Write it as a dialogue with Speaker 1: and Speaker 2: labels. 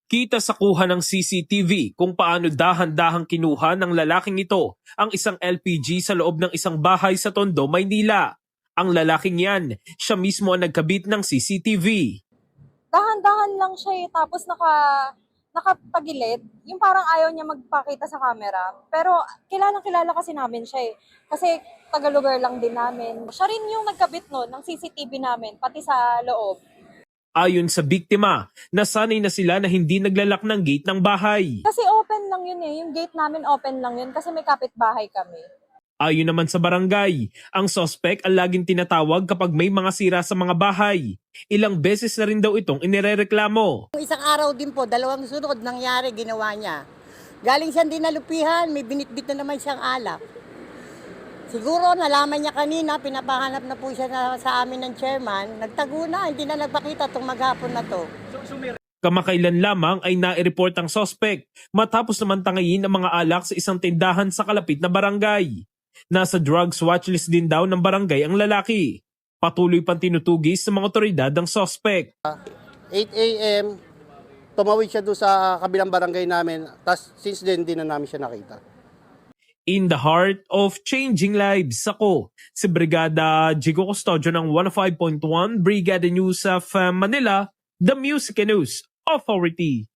Speaker 1: Kita sa kuha ng CCTV kung paano dahan-dahang kinuha ng lalaking ito ang isang LPG sa loob ng isang bahay sa Tondo, Maynila. Ang lalaking yan, siya mismo ang nagkabit ng CCTV.
Speaker 2: Dahan-dahan lang siya tapos nakatagilid. Yung parang ayaw niya magpakita sa camera. Pero kilalang-kilala kasi namin siya Kasi taga-lugar lang din namin. Siya rin yung nagkabit nun ng CCTV namin, pati sa loob.
Speaker 1: Ayon sa biktima, nasanay na sila na hindi naglalak ng gate ng bahay.
Speaker 2: Kasi open lang yun yung gate namin open lang yun kasi may kapitbahay kami.
Speaker 1: Ayon naman sa barangay, ang sospek ang laging tinatawag kapag may mga sira sa mga bahay. Ilang beses na rin daw itong inirereklamo.
Speaker 3: Isang araw din po, dalawang sunod nangyari, ginawa niya. Galing siyang dinalupihan, may binitbit na naman siyang alak. Siguro nalaman niya kanina, pinapahanap na po siya sa amin ng chairman. Nagtago na, hindi na nagpakita itong maghapon na to.
Speaker 1: Kamakailan lamang ay nai-report ang sospek matapos naman tangayin ang mga alak sa isang tindahan sa kalapit na barangay. Nasa drugs watchlist din daw ng barangay ang lalaki. Patuloy pang tinutugis sa mga otoridad ang sospek.
Speaker 4: 8 a.m., tumawid siya doon sa kabilang barangay namin. Tapos since then, di na namin siya nakita.
Speaker 1: In the heart of changing lives, ako si Brigada Jigo Custodio ng 105.1 Brigada News of Manila, the Music and News Authority.